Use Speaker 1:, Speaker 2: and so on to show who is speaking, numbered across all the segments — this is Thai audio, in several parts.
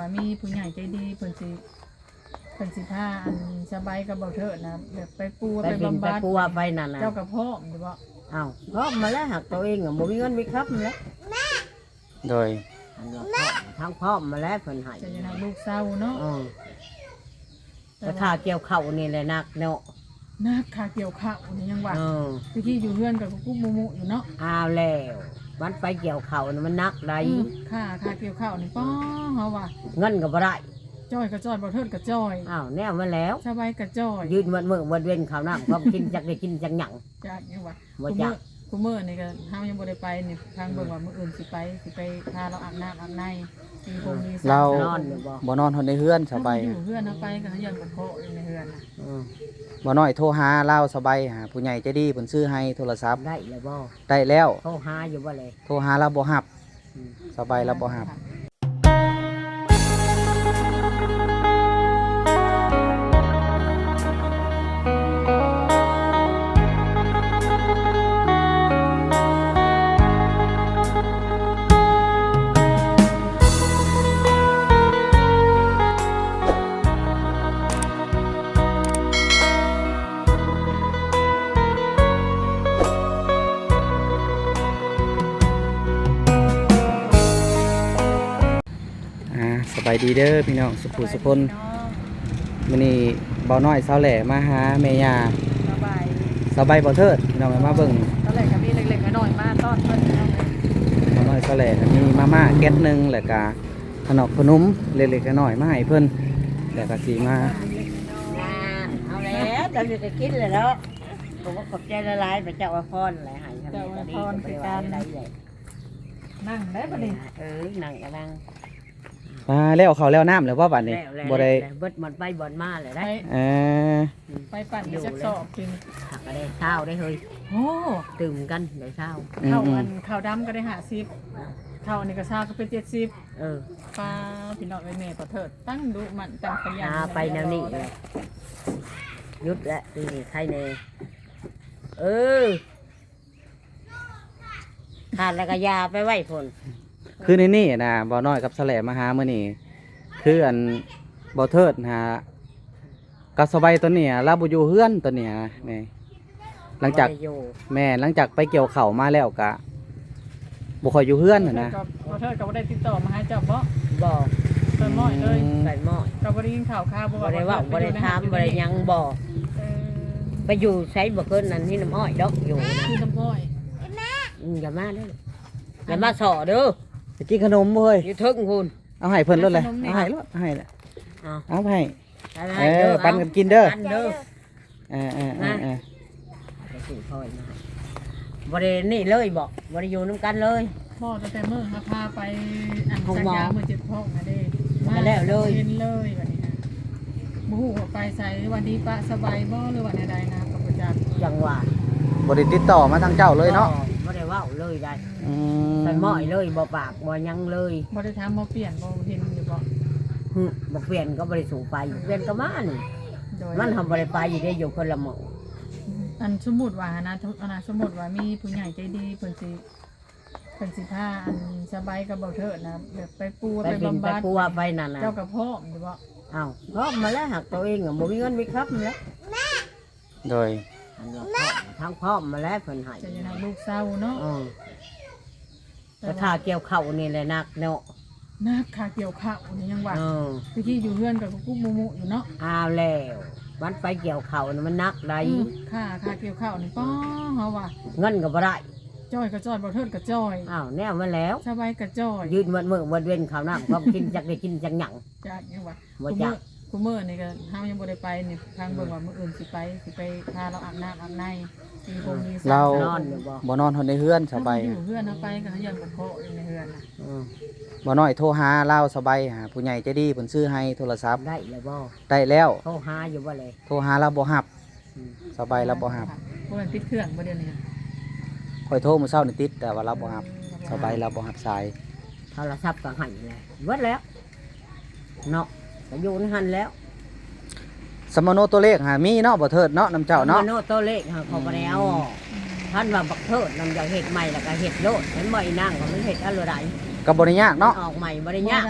Speaker 1: ว่ามีผู้ใหญ่ใจดีเพิ่นสิพาอันสบายกับเบาเถิดนะแบบไปปัว
Speaker 2: ไป
Speaker 1: ไป
Speaker 2: บิน
Speaker 1: บำ
Speaker 2: ไป
Speaker 1: บัด
Speaker 2: ปัวไปนั่นน่ะ
Speaker 1: เจ้ากับพ่อมอยู่บ่
Speaker 2: อ้าวพร้อมมาแล้วหักตัวเองอ่ะบ่มีเงินมีครับแล้ว
Speaker 3: โดย
Speaker 2: อันนี้ทั้งพร้อมมาแล้วเพิ่นให้
Speaker 1: จะยังไงลูกเศร้าเนาะ
Speaker 2: แต่ถ้าเกี่ยวเข้านี่แหละนักเนาะ
Speaker 1: นาคาเกี่ยวข้าวนี่ยังว่า
Speaker 2: เออ
Speaker 1: ที่อยู่เฮือนกับกุ๊กมุอยู่เนาะ
Speaker 2: อ้าวแล้วมันไปเกี่ยวเข้านี่มันนักใด
Speaker 1: ค่าเกี่ยวข้าวนี่ป้อเฮาว่า
Speaker 2: เงินก็บ่ได้
Speaker 1: จ้อยก็จ้อยบ่เทิดก็จ้อย
Speaker 2: อ้าวแน่มาแล้ว
Speaker 1: สบายก็จ้อย
Speaker 2: ยืนมันมือวันเว้นข้าวน้ำก็กินจักได้กินจักหยัง
Speaker 1: จากยังว่า
Speaker 2: บ่จัก
Speaker 1: กูมื้อนี่ก็เฮายังบ่ได้ไปนี่ทางเบิ่งว่ามื้ออื่นสิไปพาเราอาบน้ำอาบในมีพงมี
Speaker 3: เรา
Speaker 2: นอนอยู่บ่
Speaker 3: บ่นอนทนในเฮือนสบาย
Speaker 1: อยู่เฮือนเอาไปก็เฮือนกับพ่ออยู่ในเฮือนน่ะ
Speaker 2: เออ
Speaker 3: บ่น้อยโทรหาเราสบายหาผู้ใหญ่ใจดีเพิ่นซื้อให้โทรศัพท์
Speaker 2: ได้แล้วบ่
Speaker 3: ได้แล้ว
Speaker 2: โทรหาอยู่บ่เลย
Speaker 3: โทรหาเราบ่รับ
Speaker 2: อืม
Speaker 3: สบายเราบ่รับ สบายดีเด้อพี่น้องสุขุสุคนมื้อนี้เบาน้อยสาวแหล่มาหาแม่ย่า
Speaker 1: สบาย
Speaker 3: บ่เทิดพี่น้องมาเบิ่ง
Speaker 1: ตอนแรกก็มีเล็กๆน้อยๆมาต้อนเพิ่นเนาะ
Speaker 3: เบาน้อยสาวแหล่ก็มีมาม่าแก๊สหนึงแล้วก็ขนมเล็กๆน้อยๆมาให้เพิ่นแล้วก็สิมา
Speaker 2: เอาแล้วเราจะกินเลยแล้วผมก็ขอบใจละลายไปเจ้าอวยพรอะไรให้ทำได้เลย
Speaker 1: นั่งได้บ่นี่
Speaker 2: นั่งก็นั่ง
Speaker 3: มาแล้วเขาวแล้วน้ำแล้วว่าบัดนี้บ่ได้
Speaker 2: เบิดมันไปบ่อนมาเลยได้
Speaker 3: เออ
Speaker 1: ไปปั่นจักสอบกิน
Speaker 2: หักก็ได้เช้าได้เฮ้ย
Speaker 1: โอ้
Speaker 2: ตื่นกันได้เช้า
Speaker 1: ข้าวข้าวดำก็ได้50ข้าวอันนี้ก็ซาก็เป็น70
Speaker 2: เออ
Speaker 1: ปลาพี่น้องแม่ขอเถิดตั้งดูมันตั้งขยัน
Speaker 2: ไปแนวนี้เลยยุดแล้วนี่ใครเนขาดแล้วก็ยาไปไหว้ผล
Speaker 3: คือในนี่นะบ่น้อยกับสแลมาหามื้อนี้คืออันบ่เทิดหากับสบายตัวเนี้เราบ่อยู่เฮือนตัวเนี้แม่หลังจากหลังจากไปเกี่ยวข้าวมาแล้วก็บ่ค่อยอยู่เฮือนน่ะนะ
Speaker 1: ขอเถิดก็บ่ได้ติดต่อมาให้เจ้าบ่
Speaker 2: บอก
Speaker 1: เติมน้อยเลย
Speaker 2: ใส่หม้อ
Speaker 1: ก็บ่ได้ยินข่าวบ่
Speaker 2: บ่ได้ว่าบ่ได้ถามบ่ได้ยังบอกไปอยู่ใช้บ่เกินนั้นที่น้ำอ้อยดอกอยู่
Speaker 1: คือน้ำอ้อย
Speaker 2: อย่ามาเด้ออย่ามาสอเด้อ
Speaker 3: ไปกินขนมบ่เฮ้ย
Speaker 2: อยู่ทึกคุณ
Speaker 3: เอาให้เพิ่นรถเลยเอาให้รถให้แหละ
Speaker 2: เอา
Speaker 3: เอาให้
Speaker 2: เด้อ
Speaker 3: ปันกันกินเด้อ
Speaker 2: ปันเด้อ
Speaker 3: เออ
Speaker 2: ไปสิพ่อยมาบ่ได้นี่เลยบอกบ่ได้อยู่น้ำกันเลย
Speaker 1: พ่อตั้งแต่มื้อพาไปอัน
Speaker 2: ของ
Speaker 1: สัญ
Speaker 2: หมอ
Speaker 1: ญามื้อ7พ่องน่ะเด้
Speaker 2: มาแล้วเลย
Speaker 1: เห็นเลยบัดนี้นะบ่ฮู้ว่าไปไสวันดีปะสบายบ่หรือว่าใดๆนะก็บ่จัก
Speaker 2: จังหวะ
Speaker 3: บ่ได้ติดต่อมาทางเจ้าเลยเนาะ
Speaker 2: บ่ได้เว้าเลยได้
Speaker 3: อื
Speaker 2: ใส่หม้อยเลยบ่ปากบ่ยังเลย
Speaker 1: บ่ได้ถามบ่เปลี่ยนบ่เห็นอยู่บ่
Speaker 2: บ่เปลี่ยนก็บ่ได้สูงไปเปลี่ยนก็มานี่
Speaker 1: โดย
Speaker 2: มันทำบ่ได้ไปอยู่ได้อยู่คนละหมู่
Speaker 1: อันสมมุติว่านะสมมุติว่ามีผู้ใหญ่ใจดีเพิ่นสิพาอันสบายกับเบาเถิดนะแบบไปปัว
Speaker 2: ไป
Speaker 1: ไป
Speaker 2: บิน
Speaker 1: บำ
Speaker 2: ไป
Speaker 1: บัด
Speaker 2: ปัวไปนั่นน่ะ
Speaker 1: เจ้ากับพ่อมอยู่บ่
Speaker 2: อ้าวพร้อมมาแล้วหักตัวเองอ่ะบ่มีเงินมีครับแล้ว
Speaker 3: โดย
Speaker 2: อันนี้ทั้งพร้อมมาแล้วเพิ่นให้
Speaker 1: จะยังไงลูกเศร้าเนาะ
Speaker 2: แต่ถ้าเกี่ยวเข้านี่แหละนักเนาะ
Speaker 1: นาคาเกี่ยวข้าวนี่ยังว่า
Speaker 2: เออ
Speaker 1: ที่อยู่เฮือนกับกุ๊กมุอยู่เนาะ
Speaker 2: อ้าวแล้วมันไปเกี่ยวเข้านี่มันนักใด
Speaker 1: ค่าเกี่ยวข้าวนี่ป้อเฮาว่า
Speaker 2: เงินก็บ่ได้
Speaker 1: จ้อยก็จ้อยบ่เทิดก็จ้อย
Speaker 2: อ้าวแน่มาแล้ว
Speaker 1: สบายก็จ้อย
Speaker 2: ยืนมันมือวันเว้นข้าวน้ำก็กินจักได้กินจักหยัง
Speaker 1: จากยังว่า
Speaker 2: บ่จัก
Speaker 1: กูมื้อนี่ก็เฮายังบ่ได้ไปนี่ทางเบิ่งว่ามื้ออื่นสิไปพาเราอาบน้ำอาบในมีพงมี
Speaker 3: เรา
Speaker 2: นอนอยู่บ่
Speaker 3: บ่นอนทนในเฮือนสบาย
Speaker 1: อยู่เฮือนเอาไปก็เฮือนกับพ่ออยู่ในเฮือนน่ะ
Speaker 2: เออ
Speaker 3: บ่น้อยโทรหาเราสบายหาผู้ใหญ่ใจดีเพิ่นซื้อให้โทรศัพท์
Speaker 2: ได้แล้วบ่
Speaker 3: ได้แล้ว
Speaker 2: โทรหาอยู่บ่เลย
Speaker 3: โทรหาเราบ่รับสบายเราบ่รับ
Speaker 1: บ่แม่นปิดเครื่องบ่เดี๋ยวนี้
Speaker 3: ค่อยโทรมื้อเช้านี่ติดแต่ว่าเราบ่รับสบายเราบ่รับสาย
Speaker 2: โทรศัพท์ก็ให้แล้วเบิดแล้วเนาะก็อยู่ในหันแล้ว
Speaker 3: สมโนตัวเลขหามีเนาะบ่เทิดเนาะน้ำเจ้าเนาะ
Speaker 2: โน้ตตัวเลขเขาบ่ได้เอาออกท่านว่าบักเทิดนำอยากเฮ็ดใหม่แล้วก็เฮ็ดโลดเห็นบ่อีนางก็มันเฮ็ดอะไร
Speaker 3: ก็บ่ได้ยากเนาะ
Speaker 2: ออกใหม่บ่ได้ยาก
Speaker 1: บ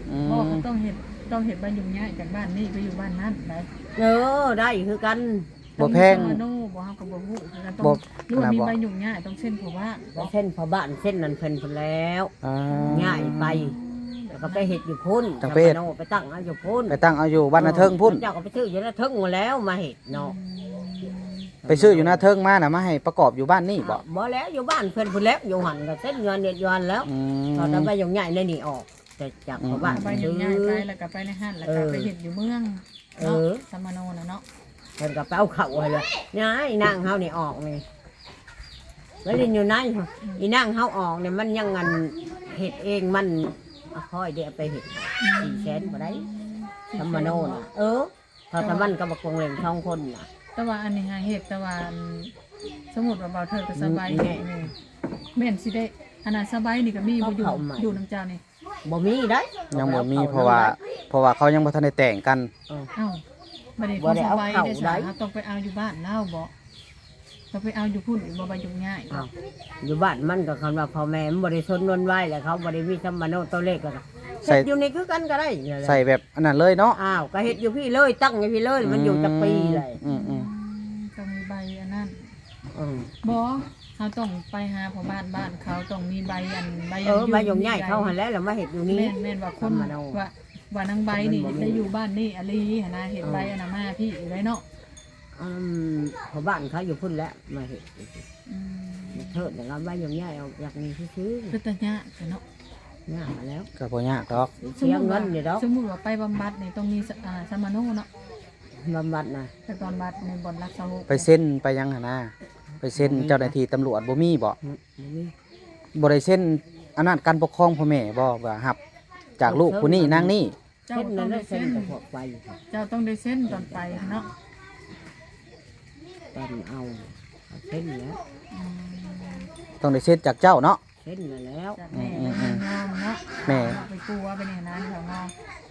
Speaker 1: เพราะว่าเขาต้องเฮ็ดใบยุ่งยากจากบ้านนี้ไปอยู่บ้านนั้นได้
Speaker 2: ได้คือกัน
Speaker 3: บ่แพง
Speaker 1: ต้องมีสมาโนบ่เฮาก็บ่ฮู้คือกันต้อ
Speaker 3: บ่
Speaker 1: งหรือว่ามี
Speaker 3: บ่
Speaker 1: ใบยุ่งยากต้องเส้นเพราะว่า
Speaker 2: เส้นพอบ้านเส้นนั้นเพิ่นพุ่นแล้ว
Speaker 3: อ่า
Speaker 2: ง่ายไปแล้วก็ไปเฮ็ดอยู่พุ่น
Speaker 3: จังไปเฮ็ด
Speaker 2: ทำมโนไปตั้งเอาอยู่พุ่น
Speaker 3: ไปตั้งเอาอยู่บ้านนาเทิงพุ่น
Speaker 2: เจ้าก็ไปซื้ออยู่นาเทิงมาแล้วมาเฮ็ดเนาะ
Speaker 3: ไปซื้ออยู่นาเทิงมาน่ะมาให้ประกอบอยู่บ้านนี่บ่
Speaker 2: บ่แล้วอยู่บ้านเพิ่นพุ่นแล้วอยู่หันก็เส้นเงินเดือนยอนแล้ว
Speaker 3: อืม
Speaker 2: ตอนนั้นไปอย่างใหญ่ในนี่ออกแต่จากพอบ้าน
Speaker 1: ใบยุ่งยากไปแล้วก็ไปในห้างแล้วก็ไปเฮ็ดอยู่เมืองเนาะสมาโนน่ะเนาะ
Speaker 2: เพิ่นก็ไปเอาเข่าให้เลยนี่นางเฮานี่ออกนี่แล้วนี่อยู่ไหนอีนางเฮาออกเนี่ยมันยังงันเฮ็ดเองมันค่อยเดี๋ยวไปเฮ็ด400,000บ่ได้ธรรมโนน่ะพอทำมันก็บ่คงเล่น2คนน่ะ
Speaker 1: แต่ว่าอันนี้หาเฮ็ดแต่ว่าอันสมมุติว่าเบาเทิดก็สบายแน่นี่แม่นสิได้อันนั้นสบายนี่ก็มีบ่อยู่น้ำเจ้านี่
Speaker 2: บ่มีได้
Speaker 3: ยังบ่มีเพราะว่าเขายังบ่ทันได้แต่งกัน
Speaker 1: เอ้าบัดนี้เขาสบายได้ซะเขาต้องไปเอาอยู่บ้านเล่าบ่ต้องไปเอาอยู่พุ่นอีกบ่ใบยุ่งยาก
Speaker 2: อยู่บ้านมันก็คำว่าพ่อแม่มันบ่ได้สนวนไหวแล้วเขาบ่ได้มีธรรมโนตัวเลขก็เฮ็ดอยู่นี่คือกันก็ได้
Speaker 3: ใส่แบบอันนั้นเลยเนาะ
Speaker 2: อ้าวก็เฮ็ดอยู่พี่เลยตั้งอยู่พี่เลยมันอยู่จักปีเลย
Speaker 3: อืม
Speaker 1: ต้องมีใบอันนั้น
Speaker 2: อืม
Speaker 1: บ่เขาต้องไปหาพ่อบ้านเขาต้องมีใบอันใบ
Speaker 2: ใบยงใหญ่เข้าหันแล้วแล้วมาเฮ็ดอยู่นี่
Speaker 1: แม่นว่าคนว่านางใบนี่ได้อยู่บ้านนี่อลีหั่นนะเฮ็ดใบอันน่ะมาพี่อยู่ได้เนาะ
Speaker 2: พอบ้านเขาอยู่พุ่นแล้วมาเฮ็ด
Speaker 1: อืม
Speaker 2: เถิดแล้วใบยงใหญ่เอาอยากมีซื้อ
Speaker 1: คือตะยะเนาะ
Speaker 2: ๆเนี่ยมาแล้ว
Speaker 3: ก็บ่ยากดอก
Speaker 2: เสียเงินอยู่ดอก
Speaker 1: สมมุติว่าไปบำบัดนี่ต้องมีสมาโนเนาะ
Speaker 2: บำบัดน่ะ
Speaker 1: ไปบำบัดในบ่อนรักษาโรค
Speaker 3: ไปเซ็นไปยังหั่นนะไปเซ็นเจ้าหน้าที่ตำรวจบ่มีบ่
Speaker 2: บ่มี
Speaker 3: บ่ได้เซ็นอำนาจการปกครองพ่อแม่บ่ว่ารับ จากลูกผู้นี้นางนี่
Speaker 1: เจ้า
Speaker 2: เส้น
Speaker 1: ต้
Speaker 2: นั้
Speaker 1: อนง
Speaker 2: ได้
Speaker 1: ได้
Speaker 2: เส้
Speaker 1: เส้
Speaker 2: น
Speaker 1: น
Speaker 2: กับพวกไป
Speaker 1: เจ้าต้องได้เส้นตอนไปเนาะ
Speaker 2: ตอนเอาเส้นแล้ว
Speaker 1: อืม
Speaker 3: ต้องได้เซ็นจากเจ้าเนาะ
Speaker 2: เส้นมาแล้ว
Speaker 1: จากแม่งองเนาะ
Speaker 3: แม่
Speaker 1: ไปกลัวไปเนี่ยนะแถวงอ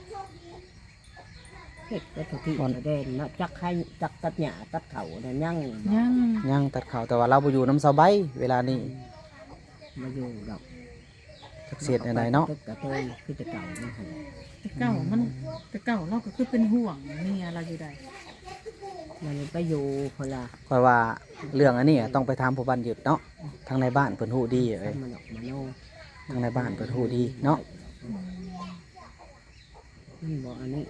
Speaker 2: เฮ็ดก็ทุกที่ประเด็นเนาะจักให้จักตัดหญ้าตัดเขาเนี่ยยัง
Speaker 1: ยัง
Speaker 3: ยังตัดข่าวแต่ว่าเราบ่อยู่น้ำสาวใบเวลานี้
Speaker 2: มาอยู่ดอก
Speaker 3: จักเสียดอะไรเนาะ
Speaker 2: กระเตยคือจะเก่านะฮะ
Speaker 1: แต่เก่ามันแต่เก่าเราก็คือเป็นห่วงเมียเราอยู่ใด
Speaker 2: มันไปอยู่คนละ
Speaker 3: เพราะว่าเรื่องอันนี้ต้องไปถามผู้บ้านหยุดเนาะทางในบ้านเพิ่นฮู้ดีเอ้ย
Speaker 2: มันออกมาโน่
Speaker 3: ทางในบ้านเพิ่นฮู้ดีเนาะ
Speaker 2: มันบอกอันนี้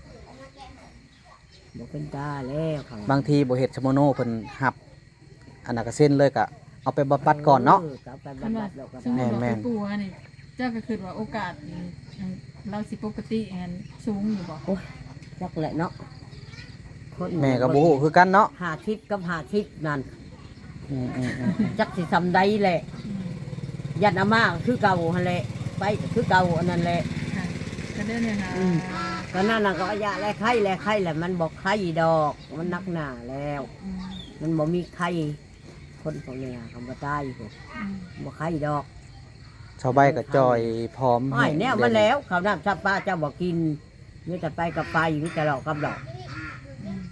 Speaker 2: บอกเป็นตาแล้วเขา
Speaker 3: บางทีบ่เฮ็ดชโมโนเพิ่นหับอันนั้นก็เซ็นเลยก็เอาไปบำบัดก่อนเนาะ
Speaker 2: เอาไป
Speaker 1: คัน
Speaker 2: บำ
Speaker 1: ว่า
Speaker 2: บัดแล้วก็
Speaker 1: สมม
Speaker 2: ได้
Speaker 1: ติว่า
Speaker 3: แม่
Speaker 1: ไป
Speaker 3: น
Speaker 1: กลัวนี่เจ้าก็คือว่าโอกาสเราสิปกติแอนสูงอยู่บ่
Speaker 2: จักแหละเนาะคน
Speaker 3: แม่ก็บ่ฮู้คือกันเนาะ
Speaker 2: หาทิพกับหาทิพนั่น
Speaker 3: อืม
Speaker 2: จักสิทำได้แหละ
Speaker 1: อืม
Speaker 2: ยันอามาคือเก่าหั่นแหละไปก็คือเก่าอันนั้นแหละ
Speaker 1: ค่ะก็ได้เนี่ยนะ
Speaker 2: ก็นั่นน่ะก็ยาแลไข้แลไข้แหละมันบอกไข้ดอกมันนักหนาแล้ว
Speaker 1: อืม
Speaker 2: มันบ่มีไข้คนพวกเนี้ยคำว่าตายอยู่
Speaker 1: อืม
Speaker 2: บ่ไข้ดอก
Speaker 3: ๆชาวใบก็จอยพร้อม
Speaker 2: อ้อยแนวมันแล้วข้าวน้ำชับปลาเจ้าบ่กินมีแต่ไปกับไปมีแต่หลอกกับหลอก
Speaker 1: อืม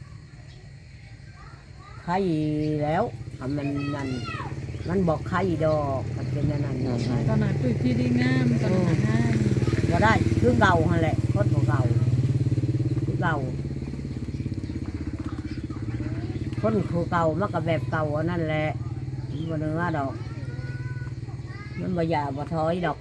Speaker 2: ไข้แล้วทำมันนั่นมันบอกไข้ดอกมันเป็นอันนั้น
Speaker 1: ตอนนั้นคือที่ดีงามตอนนั้นงาม
Speaker 2: บ่ได้คือเก่าหั่นแหละคนบ่เก่าคือเก่าคนคือเก่ามันก็แบบเก่าอันนั่นแหละมันบ่เนื้อดอกมันบ่หยาบ่ถอยดอก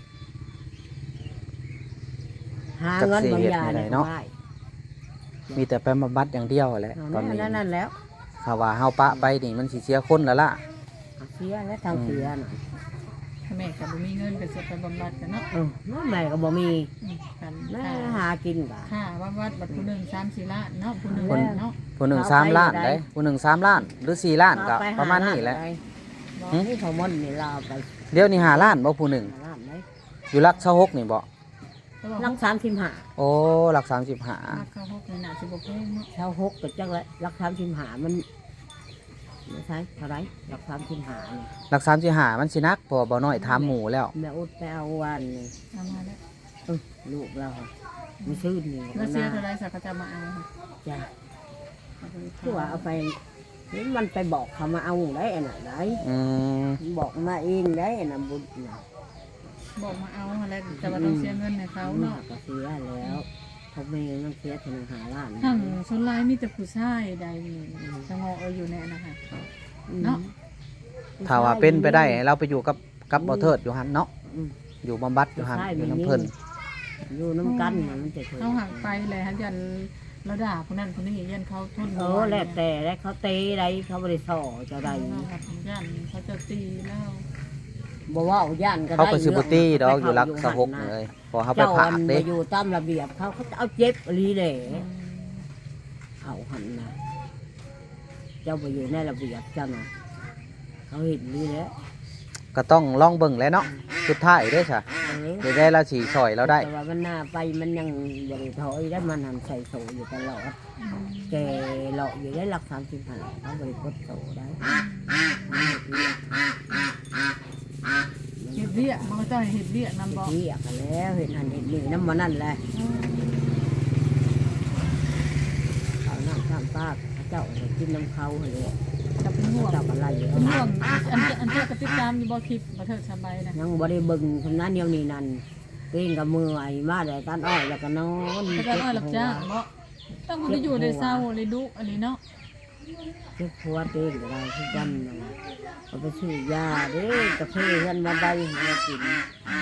Speaker 2: หาเงินบ่หยาได้เนาะ
Speaker 3: มีแต่ไปบำบัดอย่างเดียวแหละตอนนี้
Speaker 2: นั่นแล้ว
Speaker 3: ถ้าว่าเฮาปะไปนี่มันสิเสียคนแล้วล่ะ
Speaker 2: เสียและทางเสียน่ะ
Speaker 1: ถ้าแม่ก็บ่มีเงินก็สิไปบำบัดกันเนาะ
Speaker 2: น้องแม่ก็บ่มี
Speaker 1: กัน
Speaker 2: แม่หากินบ่า
Speaker 1: ค่าบำบัดบัดผู้หนึง3-4ล้านเนาะผู้หนึงเนาะ
Speaker 3: ผู้หนึ่ง3 ล้านได้ผู้หนึ่ง3 ล้านหรือ4 ล้านก็ประมาณนี้แหละ
Speaker 2: นี่เขามอนนี่ลาไป
Speaker 3: เดี๋ยวนี้5 ล้านบ่ผู้หนึ่ง
Speaker 2: ล้านไหน
Speaker 3: อยู่หลัก26นี่บ่
Speaker 2: รัก35
Speaker 3: โอ้หลัก
Speaker 1: ราคาพวกนี้น่าสิบ่แพงเนาะ
Speaker 2: เช่า6ก็จังละรัก35มันไม่ใช่เท่าไหร่รัก35นี่
Speaker 3: 35หลัก35มันสินักเพอบ่น้อยถามหมู่แล้ว
Speaker 2: แม่อุดไปเอาวันนี่
Speaker 1: เอามาแล้ว
Speaker 2: ลูกเรามีชื่อนี่
Speaker 1: แล้วเสียเท่าไรสักก็จะมาเอาค่ะ
Speaker 2: จ้ะ
Speaker 1: เอาไป
Speaker 2: คือว่าเอาไปนี่มันไปบอกเขามาเอาได้อันน่ะได้
Speaker 3: อืม
Speaker 2: บอกมาเองได้อันน่ะบุญน่ะ
Speaker 1: บอกมาเอาอะไรแต่ว่าต้องเสียเงินให้เขา
Speaker 2: เนาะ
Speaker 1: เนาะ
Speaker 2: ก็เสียแล้วเขาไม่ต้องเสียถึง5 ล้าน
Speaker 1: ทั้งส่วนหลายมีแต่ผู้ชายใดสงออยู่แน่นะคะเนาะ
Speaker 3: ถ้าว่าเป็นไปได้ให้เราไปอยู่กับบ่เทิดอยู่หั่นเนาะ
Speaker 2: อืม
Speaker 3: อยู่บำบัดอยู่หั่นอยู่น้ำเพิ่น
Speaker 2: อยู่น้ำกันน่ะมันจะเคย
Speaker 1: เขาห่างไปเลยฮะยันเราด่าคนนั้นคนนี้ยันเขาทน
Speaker 2: แล้วแต่แล้วเขาเตะได้เขาบ่ได้ส่อเจะได้
Speaker 1: ยันเขาจะตีแล้ว
Speaker 2: บ่ว่าย่านก็ได้
Speaker 3: เขาก็สิบ่ตีดอกอยู่รักสะหก
Speaker 2: นะ
Speaker 3: เลยพอเขาไป
Speaker 2: เจ้า
Speaker 3: ผา
Speaker 2: อั
Speaker 3: ก
Speaker 2: น
Speaker 3: เด้
Speaker 2: ไปอยู่ตามระเบียบเขาจะเอาเจ็บอีหลีแหละเขาหันนะเจ้าไปอยู่ในระเบียบเจ้าน่ะเขาเห็นอีหลีแล้ว
Speaker 3: ก็ต้องลองเบิ่งแหล้วเนาะสุดท้ายเด้อจ้ะ
Speaker 2: เออ
Speaker 3: เดี๋ยวได้เราสิซอยเราได้
Speaker 2: แต่ว่ามันหน้าไปมันยังบริถอยได้มันทำใส่โสอยู่ตลอดแกเลาะอยู่ได้หลัก35เขาบริกดโสได้
Speaker 1: เห็ดเบี้ยมันก็ต้องเห็ดเบี้ยนำบอก
Speaker 2: เรียกกันแล้วเห็นหันเห็นนี่น้ำมันนั่นแหละเขาน้ำข้ามปากเจ้าให้กินน้ำเขาเลย
Speaker 1: จะเป็นห่วง
Speaker 2: เจ้าอะไรอยู่
Speaker 1: เป็นห่วงอันเจ้ากระติดตามอยู่บ่คลิปบ่เถิดสบายนะ
Speaker 2: ยังบริบึงทำนั้นเดียวนี้นั่นเต้นกับมือไอ้มาแต่ตันอ้อยแล้วก็นอน
Speaker 1: ก็จะอ้อยหลับจ้างบ่ต้องคุณจะอยู่ในเศร้าเลยดุอันนี้เนาะ
Speaker 2: เจ็บหัวเต้นก็ได้ทุกวันนั่นน่ะเอาไปซื้อยาเด้กาแฟเงินมาได้มากิน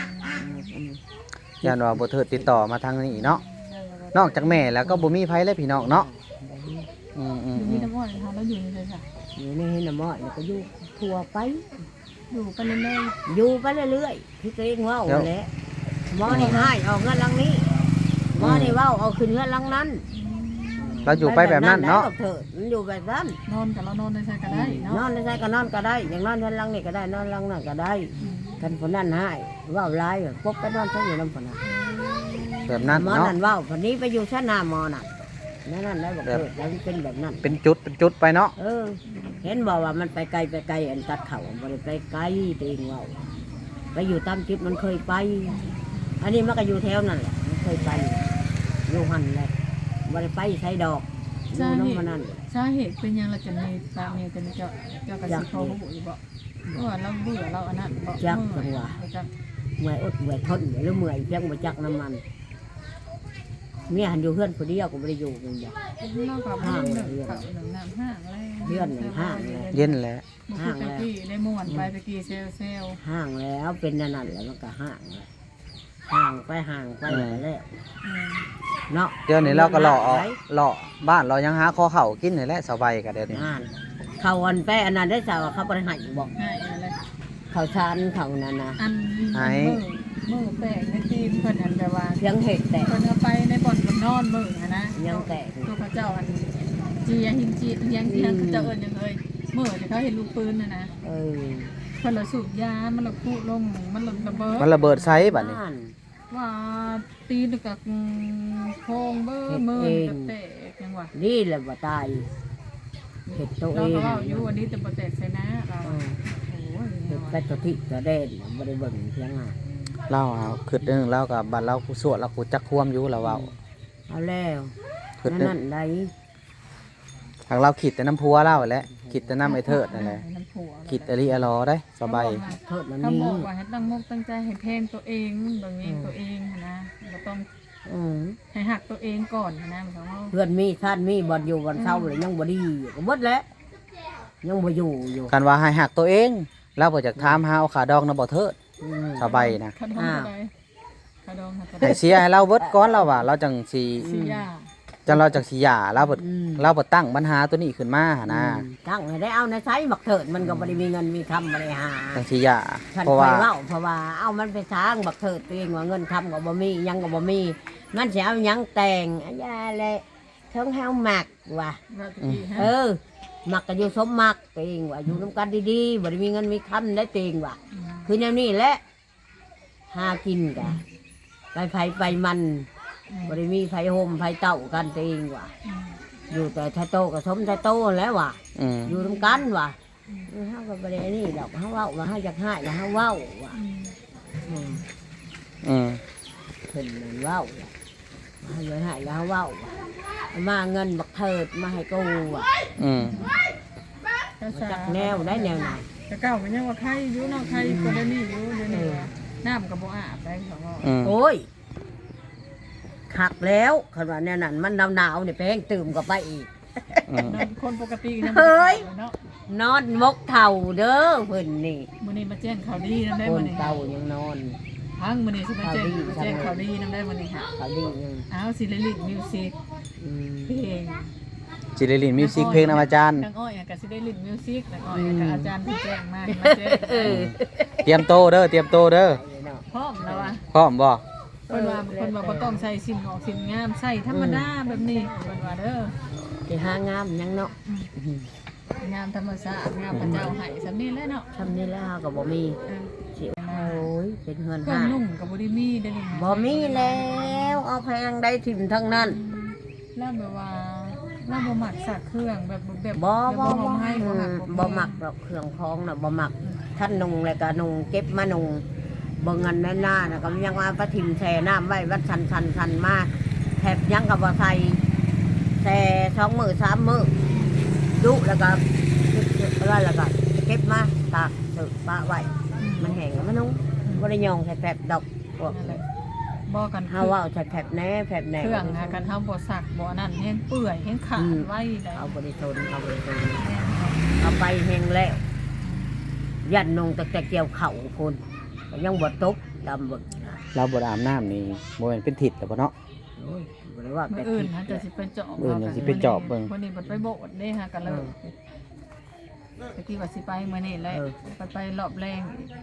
Speaker 3: ย่านว่าบ่เทิดติดต่อมาทางนี้เนาะนอกจากแม่แล้วก็บ่มีไผเลยพี่น้องเนาะอืม
Speaker 1: อยู่มีน้ำอ้อยนะคะแล้วอยู่ในเลยค่ะ
Speaker 2: อยู่ในน้ำอ้อยแล้วก็อยู่ทั่วไป
Speaker 1: อยู่ไปเรื่อย
Speaker 2: อยู่ไปเรื่อยๆที่ตัวเองเว่าแหละหมอนี่ให้เอาเงินหลังนี้หมอนี่เว่าเอาขึ้นเงินหลังนั้น
Speaker 3: เราอยู่ไปแบบนั้นเนาะ
Speaker 2: ได้เถิดมันอยู่แบบนั้น
Speaker 1: ๆนอนกับเรานอนในใช่ก็ได้
Speaker 2: นอ
Speaker 1: เนาะ
Speaker 2: นในใจก็นอนก็ได้ อย่างนอนเงินหลังนี่ก็ได้นอนหลังนั่นก็ได้กันคนนั้นให้เว่าร้ายพบไปนอนเขาอยู่น้ำคนนั้น
Speaker 3: แบบนั้น
Speaker 2: หมอ
Speaker 3: เนาะ
Speaker 2: นั่นเว่าคนนี้ไปอยู่ชั้นหน้าหมอน่ะนั่นได้บอกเถิดแล้วมันเป็นแบบนั้น
Speaker 3: เป็นจุดไปเนาะ
Speaker 2: เห็นบอกว่ามันไปไกลอันตัดเขาบ่ได้ไปไกลตัวเองเว่าไปอยู่ตามจุดมันเคยไป อันนี้มันก็อยู่แถวนั่นแหละมันเคยไปอยู่หันแหละบ่ได้ไปใช้ดอกอยู่น้ำมันนั่น
Speaker 1: สาเหตุเป็นยังเราจะมีตาเมียจะมีเจ้ากระสิเขาหูอยู่บ่ว่าเราเบื่อเราอันนั้นบ่จัก
Speaker 2: เมื่อยอดเมื่อยทนหรือเมื่อยเพียงบ่จักน้ำมันเมียหันอยู่เพื่อนคนเดียวก็บ่ได้อยู่กันอย่าง
Speaker 1: นอกจากห้างเลยน้ำห้างเลย
Speaker 3: เย็นแหละ
Speaker 1: ห้างเลยได้ม่วนไปตะกี้เซล
Speaker 2: ห่างแล้วเป็นนั่นนั่นแล้วมันก็ห่างแล้วห่างไปแล้วเนาะ
Speaker 3: เดี๋ยวนี้เราก็เลาะบ้านเรายังหาข้อเข่ากินนี่แหละสบายกันเดี๋ยวนี้
Speaker 2: เขาอันไปอันนั้นได้สาวเขาบ่ได้ให้บอก
Speaker 1: ง่ายอะไร
Speaker 2: เขาชานเขานั่นนะ
Speaker 1: อันมือแปลกในตีนเพิ่นอันแบบว่า
Speaker 2: เพียงเห็ดแต่
Speaker 1: เพิ่นเอาไปในบ่อนบนนอนมือนะตัวพระเจ้าอันจีหินจียังเขาเจ้าเอิญยังเลยมือแต่เขาเห็นลูกปืนนะเพิ่นละสูบยามันละพูลงมันละระเบิด
Speaker 3: มันระเบิดไซส์บัดนี้
Speaker 1: ว่าตีนกับโคงเบ้อมือกับแตกยังว่า
Speaker 2: นี่แหละว่าตายเห็ดตัวเอ
Speaker 1: เรา
Speaker 2: ง
Speaker 1: ก็ว่าอยู่วันนี้แต่บ่แตกใส่นะเราโอ้ย
Speaker 2: เห็ดแต่ตัวที่ตัวเด่นบ่ได้เบิ่งเพียงอ่ะ
Speaker 3: เราเอาขึ้นนึงเรากับบัดเรากูสวดเรากูจักควมอยู่เราเว้า
Speaker 2: เอาแล้ว
Speaker 3: ขึ้นนึง
Speaker 2: นั่นได้
Speaker 3: ทางเราขิดแต่น้ำพัวเล่าแหละขิดแต่น้ำไอ้เทิดนั่นแหละขิดอริอลอได้สบาย
Speaker 2: โทษมัน
Speaker 1: เขา
Speaker 2: นี่
Speaker 1: บอกว่าให้ตั้งมุกตั้งใจให้เพลงตัวเองแบบนี้ตัวเองนะเราต้องให้หักตัวเองก่อนนะเพราะว่า
Speaker 2: เพื่อนมีท่านมีบ่อยู่บ่เช้าเลยยังบ่ดีก็หมดแล้วยังบ่อยู่
Speaker 3: กันว่าให้หักตัวเองเราบ่จากถามหาเอาขาดองนะบ่เทิดสบายนะ
Speaker 1: ขดองอะไรขดอง
Speaker 3: ให้เสียให้เราเบิดก้อนเราว่าเราจังสี
Speaker 1: สียา
Speaker 3: จังเราจังสีหย่าเราบ่ตั้งปัญหาตัวนี้ขึ้นมาหนนะ
Speaker 2: ตั้งให้ได้เอาในไซบักเถิดมันก็บ่ได้มีเงินมีคำบ่ได้หา
Speaker 3: จังสีหย่า
Speaker 2: ฉัน
Speaker 3: เพราะ
Speaker 2: เค
Speaker 3: ว่า
Speaker 2: ยเล่าเพราะว่าเอามันไปสร้างบักเถิดตัวเองว่าเงินคำก็บ่มียังก็บ่มีมันสิเอาหยังแต่งอันยาแหละเทิงเฮาหมักว่ะหมักก็อยู่สมหมักตัวเองว่าอยู่นํกันดีๆบ่ได้มีเงินมีคำได้ตัวเองว่ะคือแนวนี้แหละหากินกะไปไผไปมันบ่ได้มีไผโฮมไผเต้ากันตัวเองว่ะอยู่แต่ถ้าโตก็สมถ้าโตแล้วว่ะอยู่นํกันว่ะเฮาก็บ่ได้นี่ดอกเฮาเว้าว่าเฮาอยากให้แล้วเฮาเว้าว่ะเพิ่นนั่นเว้าว่ะเฮาอยากให้แล้วเฮาเว้าว่ะมาเงินบักเถิดมาให้กูว่ะจักแนวได้แนวไหน
Speaker 1: แต่เก่ามันยังว่าใครอยู่นอกใครคนนี้อยู่เดี๋ยวนี้น้ำก็บ่อาบได้เขาว่า
Speaker 2: โอ้ยคักแล้วคันว่าแนวนั้นมันหนาวๆนี่ไปแห้งตื่มก็ไปอีก
Speaker 1: คนปกติยัง
Speaker 2: เฮ้ย
Speaker 1: เนาะ
Speaker 2: นอนมกเท่าเด้อเพิ่นนี่
Speaker 1: มื้อนี้มาแจ้งข่าวดีนำได้
Speaker 2: ค
Speaker 1: มื้
Speaker 2: น
Speaker 1: อนี้
Speaker 2: เต่ายังนอน
Speaker 1: พังมื้อนี้สิมาแจ้งข่าวดีนำได้มื้อนี้ค่ะ
Speaker 2: เขาดียัง
Speaker 1: อ้าวสิริลิตมิวสิก
Speaker 2: อืม
Speaker 1: เพลง
Speaker 3: จิริลินมิวสิกเพลงนำอาจารย์
Speaker 1: นางอ้อยก็สิได้ลิตมิวสิกนางอ้อยก็อาจารย์เพิ่นแจ้งมาแจ้ง
Speaker 3: เตรียมโตเด้อเตรียมโตเด้อ
Speaker 1: พร้อมแล้วว่ะ
Speaker 3: พร้อมบ่
Speaker 1: เพิ่นว่าบ่ต้องใส่สิ่งออกสิ่งงามใส่ธรรมดาแบบนี้เพิ่นว่าเด้อ
Speaker 2: สิหางามยังเนาะ
Speaker 1: งามธรรมชาติงามพระเจ้าให้สำนี้แหล้วเนาะ
Speaker 2: ทำนี่แล้วก็บ่มี
Speaker 1: เออ
Speaker 2: สิโอ้ยเป็นเฮือน
Speaker 1: เครื่อง
Speaker 2: ห้า
Speaker 1: นุ่งก็บ่ได้มีได้อนี่ค่ะ
Speaker 2: บ่มีแล้วเอาแพงได้ถิ่มทั้งนั้น
Speaker 1: แล้วแบบว่าเราบ่มักสักเครื่องแบบ
Speaker 2: บ่
Speaker 1: แบบ
Speaker 2: บ่
Speaker 1: บ่
Speaker 2: บ่
Speaker 1: ให้บ่หัก
Speaker 2: บ่มักดอกเครื่องคองน่ะบ่มักท่านนุงแล้วก็นุงเก็บมานุงบ่เงินแน่นหน้าน่ะก็ยังว่าประทิมแช่น้ำไว้วัดชันมาแทบยังก็บ่ใส่แช่2 มื้อ 3 มื้อดุแล้วก็แล้วก็เก็บมาตากสึกปะไว้มันแห้งแล้วมันนุงบ่ได้ยองแผบดอกพวก
Speaker 1: นั่นแหละบ่กัน
Speaker 2: เฮาว่าแผบแหน่แผบแหน่
Speaker 1: เครื่องหากันเฮาบ่สักบ่นั่นแห้งเปื่อยแห้งขาดไว้ได้
Speaker 2: เอาบริโภคเอาบริโภคเอาไปแห้งแล้วยันนงแต่เกี่ยวเข่าคนก็ยังบดตกดำบด
Speaker 3: เราบ่ได้อาบน้ำนี่บ่แม่นเป็นทิศแล้วบ่เนาะ
Speaker 2: โอ้ยบริว่า
Speaker 1: มื้
Speaker 2: แต่
Speaker 1: ออื่นฮะจะสิไปเจาะ
Speaker 3: มื้ออื่นจะสิไปเจาะเบิ่ง
Speaker 1: วันนี้บ่ไปโบดเด้ฮะกันเลยตะกี้ว่าสิไปมื้อนี้แหละไปรอบแรงอีก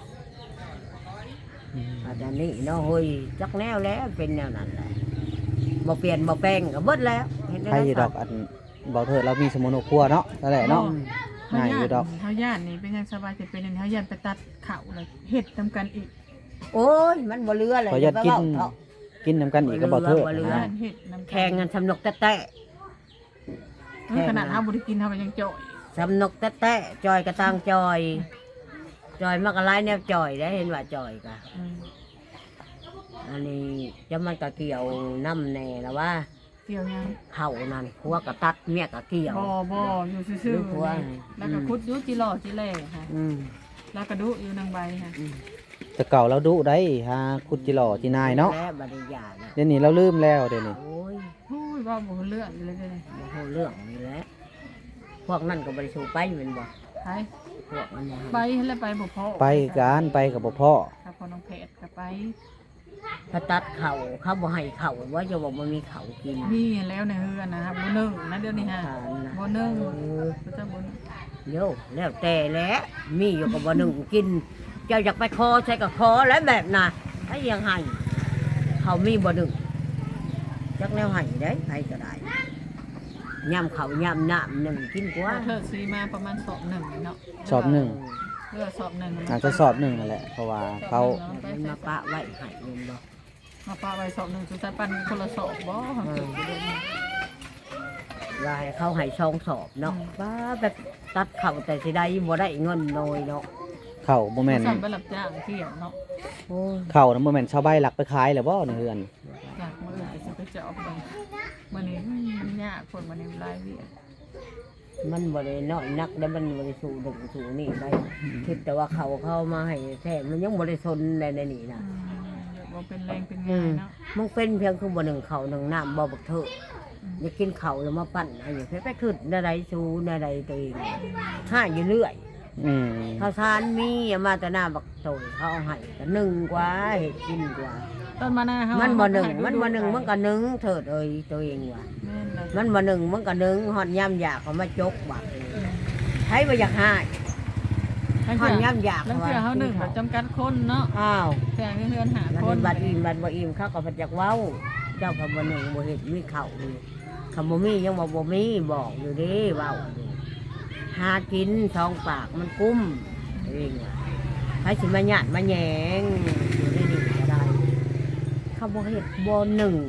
Speaker 2: อาจารย์นี่เนาะเฮ้ยจักแนวแล้วเป็นแนวนั้นแหละบ่เปลี่ยนบ่แปลงก็เบิดแล้วเห็นได้
Speaker 3: ใครอยู่ดอกอันบ่เถิดเรามีสมุนครัวเนาะนั่นแหละเนาะ ง่ายอยู่ดอก
Speaker 1: เฮาย่านนี่เป็นยังสบายสิเป็นอันเฮาย่านไปตัดข้าวเลยเฮ็ดนํกันอีก
Speaker 2: โอ้ยมันบ่เรือเลย
Speaker 3: ขอยัดกิน
Speaker 2: เถาะ
Speaker 3: กินนำกันอีกก็บ่เถิด
Speaker 2: บ่เรือ
Speaker 1: ย่านเฮ็ดนํกัน
Speaker 2: แข่งกันสำนกแตะ
Speaker 1: ขนาดเฮาบ่ได้กินเฮาก็ยังเจาะอีก
Speaker 2: สำนกแตะจอยกระตังจอยมากระไรแนวจอยได้เห็นว่าจอยกะ
Speaker 1: อืม
Speaker 2: อันนี้จะมันก็เกี่ยวน้ำแน่แล้วว่า
Speaker 1: เกี่ยวยัง
Speaker 2: เข่านั่นผัวก็ตัดเมียก็เกี่ยว
Speaker 1: บ่อยู่ซื่อ
Speaker 2: ลูกหัว
Speaker 1: ๆแล้วก็คุดอยู่จิหล่อจิแลค่ะ
Speaker 2: อืม
Speaker 1: แล้วก็ดุอยู่นางใบค่ะ
Speaker 3: แต่เก่าเราดุได้หาคุดจิหล่อจินายเนาะ
Speaker 2: และบริยานะ
Speaker 3: เดี๋ยวนี้เราลืมแล้วเดี๋ยวนี้
Speaker 2: โอ้ย
Speaker 1: โอ้ยว่าบ่รู้เรื่องเลยเด้อนี่
Speaker 2: โมโหเรื่องนี่แหละพวกนั่นก็บริสูไปเป็นบ่
Speaker 1: ไป
Speaker 2: พวกมันบ่
Speaker 1: ไปแล้วไปบ่พอ
Speaker 3: ไปการไปกับบ่พ่อ
Speaker 1: ครับพอน้องเพชรก็ไป
Speaker 2: ถ้าตัดเข่าเขาบ่ให้เข่าว่าจะบอกมันมีเข่ากิน
Speaker 1: มีแล้วในเฮือนนะครับบ่นึ่งนะเดี๋ยวนี้ฮะ
Speaker 2: ทานนะ
Speaker 1: บ่นึ่ง
Speaker 2: เออ
Speaker 1: ก็จะบ่นึ่ง
Speaker 2: โย่แล้วแต่แล้วมีอยู่กับบ่หนึ่งกิน เจ้าอยากไปคอใช้กับคอแล้วแบบน่ะให้ยังให้เขามีบ่หนึ่งจักแนวให้ได้ให้ก็ได้ย่ำเขาย่ำน้ำหนึ่งกินกว่า
Speaker 1: เธอซื้อมาประมาณสอบหนึ่งเนาะ
Speaker 3: สอบหนึ่ง
Speaker 1: เรือสอบหนึ่ง
Speaker 3: อาจจะสอบหนึ่งนั่นแหละเพราะว่าเขา
Speaker 2: มันมาปะไว้ให้เงินบ่
Speaker 1: มาปาไว้สอบหนึ่งสุดท้ายปันคนละสอบบ่เกิดอยู่เดือนนี้
Speaker 2: ว่าให้เขาให้ช่องสอบเนาะป้าแบบตัดเข่าแต่สิได้บ่ได้เงินน้อยเนาะ
Speaker 3: เข้าบ่แม่น
Speaker 1: สั่งไปรับจ้างเที่ยวเนาะ
Speaker 2: โอ้ย
Speaker 3: เข้านะบ่แม่นชาวบ้านหลักไปขายแล้วบ่ในเฮือน
Speaker 1: อยากมื้ออื่นสิไปเจาะเบิ่งมื้อนี้มันยากคนมื้อนี้หลายเวียด
Speaker 2: มันบ่ได้น้อยนักแล้วมันบ่ได้สู้ดึงสู้นี่ได้คิดแต่ว่าเขาเข้ามาให้แท้มันยังบ่ได้สนในนี่นะ
Speaker 1: บ่เป็นแรงเป็น
Speaker 2: อื
Speaker 1: งาน
Speaker 2: ม
Speaker 1: เนาะ
Speaker 2: มันเป็นเพียงคือบ่หนึ่งเขาหนึ่งน้ำบ่บักเถอะอยากกินเขาแล้วมาปั่นอะไรอย่างเงี้ยไปขึ้นในใดสู้ในใดตัวเองห้าอยู่เรื่อย
Speaker 3: อืม
Speaker 2: ข้าวสารมีเอามาแต่หน้าบักโตยเขาเอาให้ก็หนึ่งกว่าเห็ดกินกว่า
Speaker 1: ต้นมะนาวเฮา
Speaker 2: มั
Speaker 1: มัน
Speaker 2: บ่หนึ่งมันก็หนึ่งเถิดเอ้ยตัวเองว่ะ
Speaker 1: แม่นเลย
Speaker 2: มันบ่หนึ่งมันก็หนึ่งหอดย่ำอยากเขามาจกบักใช้บ่อยากให้หอดย่ำอยาก
Speaker 1: แล้วเพื่อเฮาหนึ่งแบบจำกัดคนเนาะ
Speaker 2: อ้าว
Speaker 1: เพื่อเพื่อนหา
Speaker 2: แล้ว
Speaker 1: คน
Speaker 2: บัดอิ่มบัดบ่อิ่มเขาก็พจักเว้า เจ้าก็บ่หนึ่งบ่เห็ดมีเข่าเลยคำบ่มียังบ่มีบอกอยู่เดิเว้าอยู่หากินท้องปากมันกุ้มเองว่ะให้สิมาหยาดมาแหยงอยู่ได้ดีก็ได้เขาบ่เห็ดบ่หนึ่ง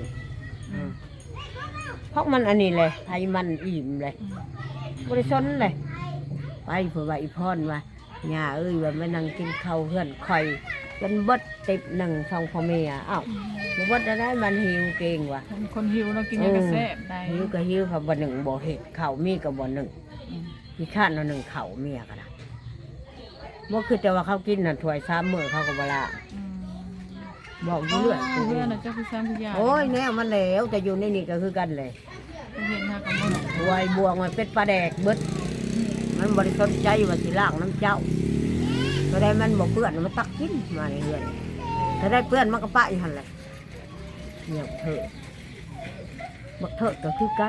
Speaker 2: เพราะมันอันนี้เลยให้มันอิ่มเลยบ่ได้สนเลยไปเผื่อว่าอีพรว่าย่าเอ้ยว่ามานั่งกินข้าวเพื่อนข่อยจนเบิดติบหนึ่งสองพ่อแม่อ้าวบ่เบิดได้มันหิวเก่งว่ะ
Speaker 1: คนหิวเรากินยังกระแซ่บได้
Speaker 2: หิวก็หิวค่ะบ่หนึ่งบ่เห็ดข้าวมีก็บ่หนึ่งพี่ข้านเอาหนึ่งข้าวเมียก็ได้บ่คือแต่ว่าเขากินน่ะถ้วย3มื้อเขาก็บ่ละ
Speaker 1: อืม
Speaker 2: บอกอยู่เรื่อย
Speaker 1: เพื่อนน่ะเจ้าคือซ้ำคือยา
Speaker 2: โอ้ยแน่มันแล้วแต่อยู่ในนี่ก็คือกันเลย
Speaker 1: เห็นหากับมัน
Speaker 2: ไวบวงมันเป็นปลาแดกเบิดมันบริสุทธิ์ใจว่าสิล่างน้ำเจ้าก็ได้มันบอกเพื่อนมันตักกินมาในเรือนถ้าได้เพื่อนมันก็ปะอยู่หันเลยเนี่ยเถอะบักเถอะก็คือกัน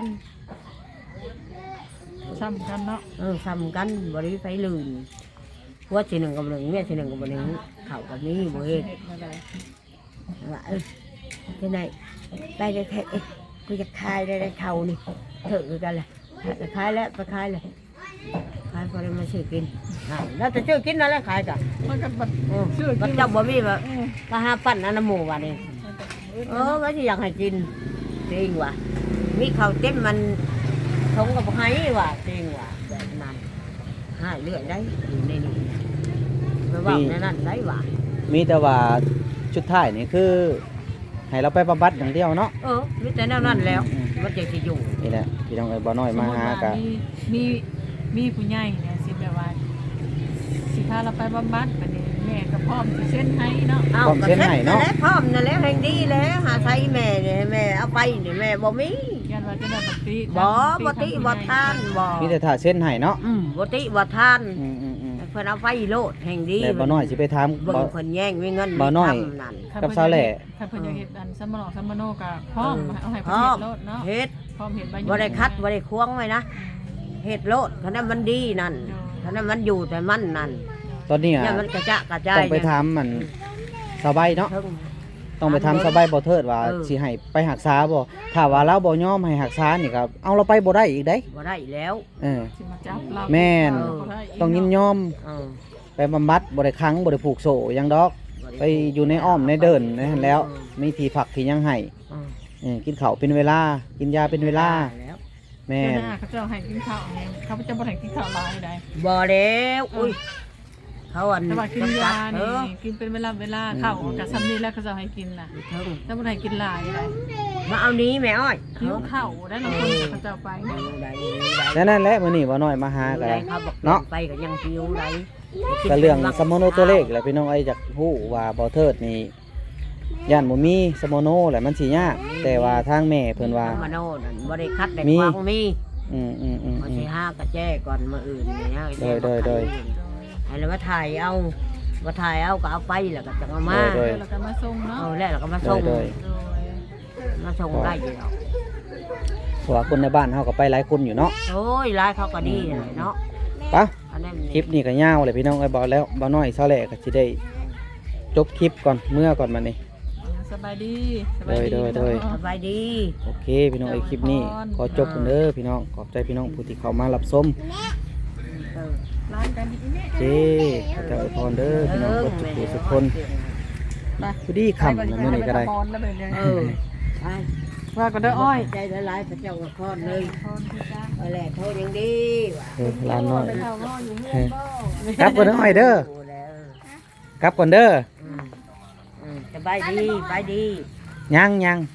Speaker 1: ซ้ำกันเนาะ
Speaker 2: ซ้ำกันบริไฟลื่นว่าทีหนึ่งกับหนึ่งแม่ทีหนึ่งกับหนึ่งเข่ากับนี้บ่เฮ็ดว่าที่ไหนไปได้แท้กูจะคายได้เข่านี่เถอะคือกันเลยจะคายแล้วไปคายเลยขายพอได้มาซื้อกินแล้วจะซื้อกินนั่นแหละขายกัน
Speaker 1: มันก็บัด
Speaker 2: ชื่อกินเจ้าบ่มีแบบมาหาปั้นอันน้ำหมูว่ะนี่ว่าที่อยากให้กินจริงว่ะมีข้าวเต็มมันทงกับไห้ว่ะจริงว่ะแบบนั้นหายเรื่อยได้อยู่ในนี้ไปว่าในนั้นได้ว่ะ
Speaker 3: มีแต่ว่าชุดท้ายนี่คือให้เราไปบำบัดอย่างเดียวเนาะ
Speaker 2: มีแต่แนวนั้นแล้วมันจะสิอยู่
Speaker 3: นี่แหละพี่น้องบ่น้อยมาหากัน
Speaker 1: มีผู้ใหญ่เนี่ยสิแบบว่าสิพาเราไปบำบัดบัดนี้แม่ก็พร้อมสิเซ็นให้เนาะ
Speaker 2: พร้อมพร้อมนั่นแหละแห่งดีแล้วหาใช้แม่เนี่ยแม่เอาไปเนี่ยแม่บ่มี
Speaker 1: ยันว่าจะได้ปกติ
Speaker 2: บ่ติบ่ทานบ่
Speaker 3: มีแต่ถ้าเส้นให้เนาะ
Speaker 2: บ่ติบ่ทาน
Speaker 3: อืม
Speaker 2: เพิ่นเอาไปโลดแห่งดี
Speaker 3: แล้วบ่น้อยสิไปถาม
Speaker 2: เบิ่งเพิ่นแย่งมีเงิน
Speaker 3: บ่น้อย
Speaker 2: นั่น
Speaker 3: กับสาวแหล่
Speaker 1: ถ้าเพิ่นอยากเฮ็ดอันซัมมโนซัมมโนก็พร้อมเอาให้เพิ่นเฮ็ดโลดเนาะ
Speaker 2: เฮ็ด
Speaker 1: พร้อมเฮ็ดใบ
Speaker 2: บ่ได้คัดบ่ได้ควงไว้นะเฮ็ดโลดคันนั้นมันดีนั่นคันนั้นมันอยู่แต่มันนั่น
Speaker 3: ตอนนี้
Speaker 2: อย่ามันกระจะกระจาย
Speaker 3: ต้องไปถามมันสบายเนาะ
Speaker 2: เทิง
Speaker 3: ต้องไปถามสบายบ่เทิดว่า
Speaker 2: เออ
Speaker 3: สิให้ไปหักษาบ่ถ้าว่าเราบ่ยอมให้หักษานี่ก็เอาเราไปบ่ได้อีกเด้
Speaker 2: บ่ได้แล้ว
Speaker 3: เออ
Speaker 1: สิมาจับเรา
Speaker 3: แม่น
Speaker 1: บ่ได้ก
Speaker 3: ต้องยินยอม
Speaker 2: เออ
Speaker 3: ไปบำบัดบ่ได้ขังบ่ได้ผูกโซ่หยังดอก ไปอยู่ในอ้อมในเดินในนั้นแล้วมีที่พักที่ยังให้
Speaker 2: เออ
Speaker 3: กินข้าวเป็นเวลา กินยาเป็นเวลา
Speaker 2: แล้ว
Speaker 3: แม่
Speaker 1: เดี๋ย
Speaker 3: น
Speaker 1: วหน้าเขาเจ้าให้กินข้าวเนี่ยเขาจะบ่ให้กินข้าวหลายได้
Speaker 2: บ่แล้วอุ้ยเขาอัน
Speaker 1: แต่ว่ากินยา
Speaker 2: เอ
Speaker 1: นี่
Speaker 2: อ
Speaker 1: กินเป็นเวลาข้าวกับซ้ำนี่แล้วเขาจะให้กินน่ะ
Speaker 2: เทิง
Speaker 1: ถ้าบ่ให้กินหลายได้
Speaker 2: มาเอานี้แม่อ้อย
Speaker 1: หิวข้าวได้บางคนเขาเจ้าไปเนี่ย
Speaker 3: แล้วนั่นแหละมื้อนี้บ่น้อยมาหากัน
Speaker 2: เขาบอก
Speaker 3: เนาะ
Speaker 2: ไปก็ยังหิวได้
Speaker 3: ก็เรื่องสมโนตัวเลขแหละพี่น้องไอ้จากฮู้ว่าบ่เทิดนี่ย่านบ่มีสมโนแหละมันสิยากแต่ว่าทางแม่เพิ่นว่า
Speaker 2: มาโน่นั่นบ่ได้คัดได้
Speaker 3: มี
Speaker 2: ควางมี
Speaker 3: อืม
Speaker 2: มาสิห้ากระแจก่อนมาอื่นเนี่ย
Speaker 3: โดย
Speaker 2: ให้แล้วมาถ่ายเอามาถ่ายเอาก็เอาไปแล้วก็จะเอามา
Speaker 3: โดย
Speaker 1: แล้วก็มาส่งเนาะ
Speaker 2: เอาแล้วก็มาส่ง
Speaker 3: โดย
Speaker 1: โดย
Speaker 2: มาส่งได้อยู่แล้ว
Speaker 3: เพราะว่าคนในบ้านเฮาก็ไปหลายคนอยู่เนาะ
Speaker 2: โอ้ยร้ายเขาก็ดีเลยเนาะ
Speaker 3: ปะ
Speaker 2: อันนั้น
Speaker 3: คลิปนี้ก็ยาวเลยพี่น้องไอ้บ่แล้วบ่น้อยเท่าแหละก็สิได้จบคลิปก่อนเมื่อก่อนมานี่
Speaker 1: สบายดี
Speaker 3: โดย
Speaker 2: สบายดี
Speaker 3: โอเคพี่น้องไอ้คลิปนี้ขอจบกันเด้อพี่น้องขอบใจพี่น้องผู้ที่เข้ามารับชม
Speaker 2: เออ
Speaker 1: ร้านกันอีกเนี่ย
Speaker 3: โอเคเจ้าอวยพรเด้อพี่น้องทุกผู้ทุกคนผู้ดีคำนะมื้อนี้ก็ได้
Speaker 2: เออไป
Speaker 1: ว่าก็ได้อ้อย
Speaker 2: ใจละลายพระเจ้ากับพ่อเลย
Speaker 1: พรพี่จ้า
Speaker 2: เอาแหละโทษยังดีว่ะ
Speaker 3: ร้านน้อย
Speaker 1: ไปเท่าง้ออยู่เฮือนบ่
Speaker 3: กลับก่อนเด้ออ้อยเด้อ
Speaker 2: ดูแล้ว
Speaker 3: กลับก่อนเด้อ
Speaker 2: สบายดีไปดี
Speaker 3: ยัง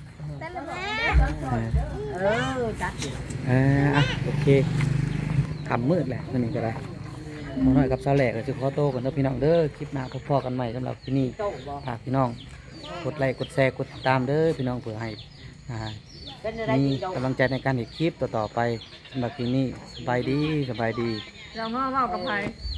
Speaker 2: จัด
Speaker 3: อ่ะโอเคคำมืดแหละมื้อนี้ก็ได้บ่น้อยกับสาวแหลกก็สิขอโตวกันเด้อพี่น้องเด้อคลิปหน้าพบกันใหม่สำหรับที่นี่
Speaker 2: โต๊ะบ่
Speaker 3: ฝากพี่น้องกดไลค์กดแชร์กดติดตามเด้อพี่น้องเพื่อให้
Speaker 2: เป็นอะไร
Speaker 3: มี
Speaker 2: กินโต๊ะ
Speaker 3: กำลังใจในการเห็นคลิปต่อๆไปสำหรับที่นี่สบายดี
Speaker 1: เราง้อกับไผ